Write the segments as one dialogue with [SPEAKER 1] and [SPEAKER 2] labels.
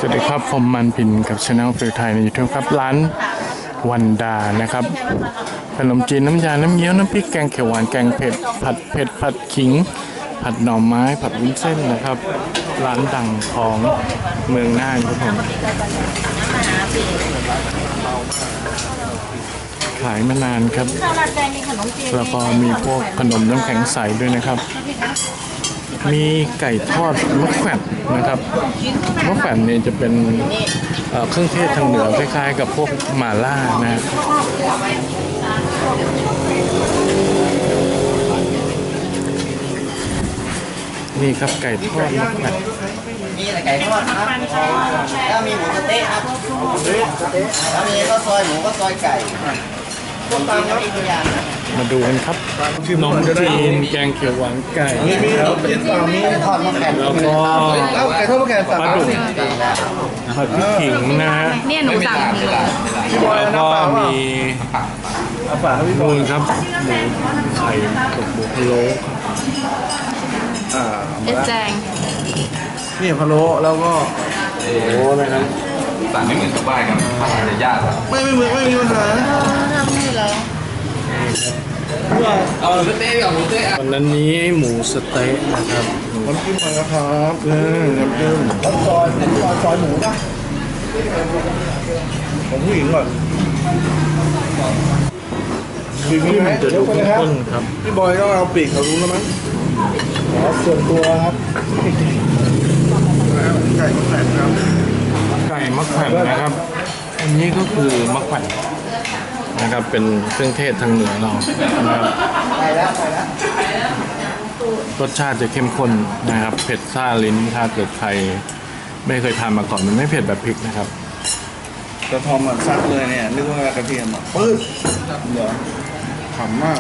[SPEAKER 1] วัสดีครับผมมันพินกับช anel ฟิลไทยในยูทูบครับร้านวันดานะครับขนมจีนน้ำยาน้ำเงี้ยวน้ำพริกแกงเขียวหวานแกงเผ็ดผัดเผ็ดผัดขิงผัดหน่อไม้ผัดวุ้นเส้นนะครับร้านดังของเมืองน่านครับผมขายมานานครับแล้วก็มีพวกขนมน้ำแข็งใสด้วยนะครับมีไก่ทอดมะแขวนนะครับมะแขวนเนี่ยจะเป็นเครื่องเทศทางเหนือคล้ายๆกับพวกหม่าล่านะนี่ครับไก่ทอดมะแขวน
[SPEAKER 2] มีไก่ทอดครับแล้วมีหมูสะเต๊ะครับแล้วมีข้าวซอยหมูข้าวซอยไก่ต้มตำครับอีกอย่าง
[SPEAKER 1] มาดูกันครับขนมจีนแกงเขียวหวานไก่
[SPEAKER 2] แล้วมีทอดมะแขวน
[SPEAKER 1] แล้วก็
[SPEAKER 2] ไก่ทอดมะแขวนปลาดุก
[SPEAKER 1] ผัดพริกขิงนะฮะ
[SPEAKER 3] เนี่ยหนูสั่ง
[SPEAKER 1] แล้วก็มีมูนครับหมูไข่กับหมูพะโล้
[SPEAKER 3] เอแจง
[SPEAKER 2] นี่พะโล้แล้วก็
[SPEAKER 1] โอ้โหนะครับ
[SPEAKER 4] สั่งไม่เหมือนชาวบ้านกันทำจะยาก
[SPEAKER 2] ไม่เหมือนไม่มีปัญหา
[SPEAKER 3] ทำนี่เหรอ
[SPEAKER 4] เอาหมูเต๊ะกับหมูเต๊ะ
[SPEAKER 1] วันนั้นนี้หมูสเต๊ะนะครับ
[SPEAKER 2] น้ำจิ้มมาแล้วครับน้ำจิ้มซอยหมูนะของผู้หญิงก่อน
[SPEAKER 1] ที่มันจะดูข้นๆครับ
[SPEAKER 2] พี่บอยต้องเอาปีกเขารู้แล้วมั้งส่วนตัวครับไก่มะแขวนครับ
[SPEAKER 1] ไก่มะแขวนนะครับอันนี้ก็คือมะแขวนนะครับเป็นเครื่องเทศทางเหนือเรานะครับรสชาติจะเข้มข้นนะครับเผ็ดซ่าลิ้นถ้าเกิดใครไม่เคยทานมาก่อนมันไม่เผ็ดแบบพริกนะครับ
[SPEAKER 2] กระทอมมันซัดเลยเนี่ยนึกว่ากระเทียมอ่ะปื้ดเหรอขำมาก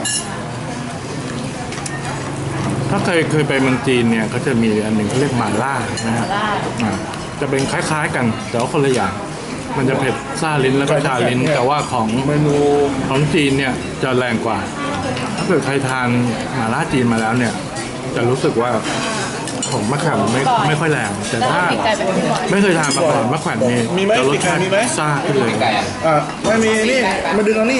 [SPEAKER 1] ถ้าเคยไปเมืองจีนเนี่ยเขาจะมีอันหนึ่งเขาเรียกหม่าล่านะฮะจะเป็นคล้ายๆกันแต่ว่าคนละอย่างมันจะเผ็ดซ่าลิ้นแล้วก็ชาลิ้นแต่ว่าของ
[SPEAKER 2] เมนู
[SPEAKER 1] ของจีนเนี่ยจะแรงกว่าถ้าเกิดใครทานหม่าล่าจีนมาแล้วเนี่ยจะรู้สึกว่าของมะขามไม่ค่อยแรงแต่ถ้าไม่เคยทานมาก่อนมะขวัญนี่จะรสชาติซ่าขึ้นเลย
[SPEAKER 2] ไม่มีนี่มาดึงเอานี่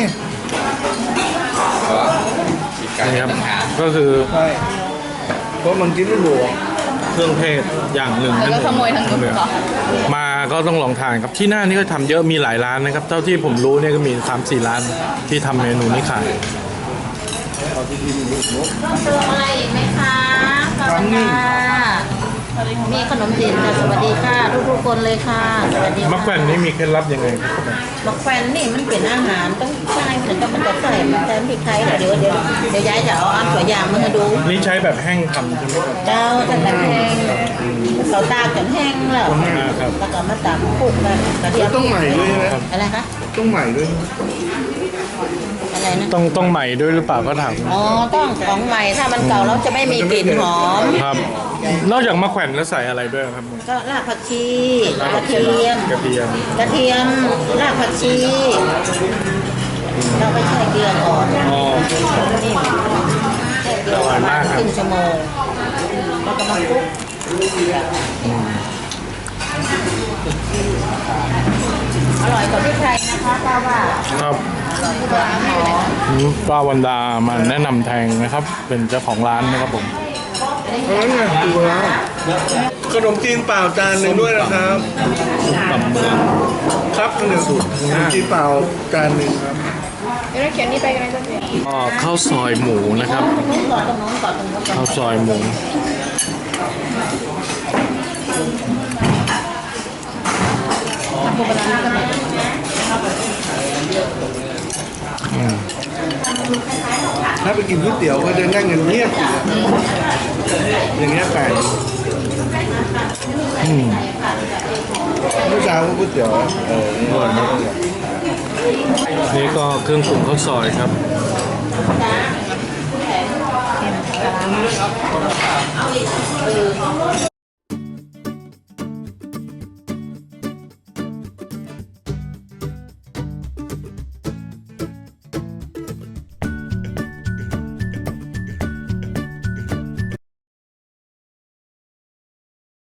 [SPEAKER 1] นี่ครับก็คือ
[SPEAKER 2] เพราะมันกินไม่หลวง
[SPEAKER 1] เครื่องเทศอย่างหนึ่งนั่นเองมาก็ต้องลองทานครับที่หน้านี่ก็ทำเยอะมีหลายร้านนะครับเท่าที่ผมรู้เนี่ยก็มี 3-4 ร้านที่ทำเมนูนี้ขาย
[SPEAKER 3] อะไรอีกไหมคะสวัสดีค่ะมีขนมจีนค่ะสวัสดีค่ะทุกคนเลยค่ะสวัสดี
[SPEAKER 1] มะแขวนนี่มีเคล็ดลับยังไงครับ
[SPEAKER 3] มะแขวนนี่มันเป็นอาหารต้องใช้เหมือนกับมันจะใส่มันจะพริกไทยเดี๋ยวยายจะเอาตัวอย่างมาให้ดู
[SPEAKER 1] นี่ใช้แบบแห้งทำใช่ไหมครับ
[SPEAKER 3] เจ้าจะแบบแห้งเราตากจนแห้งแล้วแล้วก็มาตากคลุกกันกระเทียม
[SPEAKER 2] ต้องใหม่ด้วยนะ
[SPEAKER 3] อะไรคะ
[SPEAKER 2] ต้องใหม่ด้วย
[SPEAKER 3] อะไรนะ
[SPEAKER 1] ต้องใหม่ด้วยหรือเปล่าก็ถาม
[SPEAKER 3] อ๋อต้องของใหม่ถ้ามันเก่าแล้วจะไม่มีกลิ่นหอม
[SPEAKER 1] ครับนอกจากมะแขวนแล้วใส่อะไรด้วยครับ
[SPEAKER 3] ก็รากผักชีกระเทียมรากผักชีเราไปแช่เกลือก่อนนี่แช่เกลือประมาณครึ่งชั่วโมงแล้วก็มาคลุกอร่อยกว่าพริกไทยนะคะป้าว่า
[SPEAKER 1] ครับป้าวันดามาแนะนำแทงนะครับเป็นเจ้าของร้านนะครับผม
[SPEAKER 2] นั่นไงดูแล้วขนมจีนเปล่าจานหนึ่งด้วยนะครับ
[SPEAKER 1] กับเมือง
[SPEAKER 2] ครับหนึ่งสูตรขนมจีนเปล่าจานหนึ่งครับ
[SPEAKER 3] เราเขียนนี่ไปกันเลยจ้ะเนี่ย
[SPEAKER 1] ข้าวซอยหมูนะครับข้าวซอยหมู
[SPEAKER 2] ถ้าไปกินก๋วยเตี๋ยวก็จะนั่งเงียบอย่างเงี้ยแปลกเมื่อเช้าก็ก๋วยเตี๋ยว
[SPEAKER 1] นี่ก็เครื่องปรุงข้าวซอยครับ